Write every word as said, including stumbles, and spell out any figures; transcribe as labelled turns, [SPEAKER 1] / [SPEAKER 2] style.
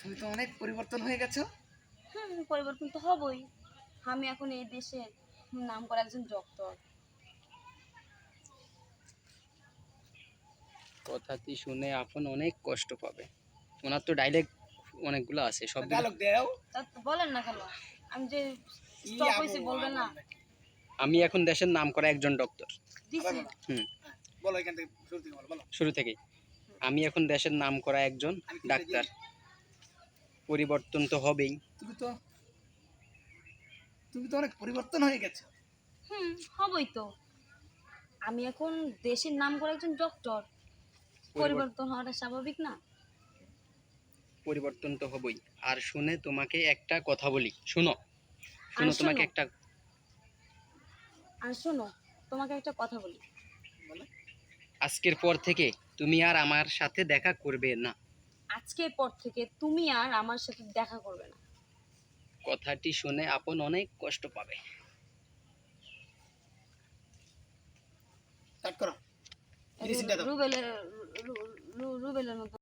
[SPEAKER 1] তুমি তো অনেক পরিবর্তন হয়ে গেছো।
[SPEAKER 2] হুম, পরিবর্তন তো হবই। আমি এখন এই দেশের নাম করা একজন ডক্টর।
[SPEAKER 3] কথাটি শুনে আপন অনেক কষ্ট পাবে। ওনার তো ডাইলেক্ট অনেকগুলো আছে, সবগুলো
[SPEAKER 1] ডায়লগ দেও।
[SPEAKER 2] তা তো বলেন না কেন? আমি যে
[SPEAKER 1] কি
[SPEAKER 2] স্টপ
[SPEAKER 1] আবু
[SPEAKER 2] হয়েছি বলবেন না?
[SPEAKER 1] আবার নাকি?
[SPEAKER 3] আমি এখন দেশের নাম করা একজন ডক্টর।
[SPEAKER 2] দিছি।
[SPEAKER 1] আবার বলো।
[SPEAKER 3] হুম,
[SPEAKER 1] হ্যাঁ, বলো এখান থেকে শুরু থেকে বলো বলো।
[SPEAKER 3] শুরু থেকেই আমি এখন দেশের নাম করা একজন
[SPEAKER 1] আমি কি
[SPEAKER 3] ডাক্তার।
[SPEAKER 1] দিই?
[SPEAKER 3] পরিবর্তন তো হবেই।
[SPEAKER 1] তুমি তো তুমি তো অনেক পরিবর্তন হয়ে গেছো।
[SPEAKER 2] হুম, হবই তো। আমি এখন দেশের নাম করা একজন ডক্টর।
[SPEAKER 3] পরিবর্তন
[SPEAKER 2] পরিবর্তন হওয়াটা স্বাভাবিক না?
[SPEAKER 3] পরিবর্তন তো হবেই। আর শুনে তোমাকে একটা কথা বলি, শুনো
[SPEAKER 2] আর
[SPEAKER 3] শুনো তোমাকে
[SPEAKER 2] শোনো,
[SPEAKER 3] একটা
[SPEAKER 2] আর শোনো, তোমাকে একটা কথা বলি।
[SPEAKER 1] বলো।
[SPEAKER 3] আজকের পর থেকে তুমি আর আমার সাথে দেখা করবে না।
[SPEAKER 2] আজকের পর থেকে তুমি আর আমার সাথে দেখা করবে না।
[SPEAKER 3] কথাটি শুনে আপন অনেক কষ্ট পাবে।
[SPEAKER 1] স্টার্ট করো। মেডিসিনটা দাও।
[SPEAKER 2] রুবেলের রু- রু- রুবেলের মতো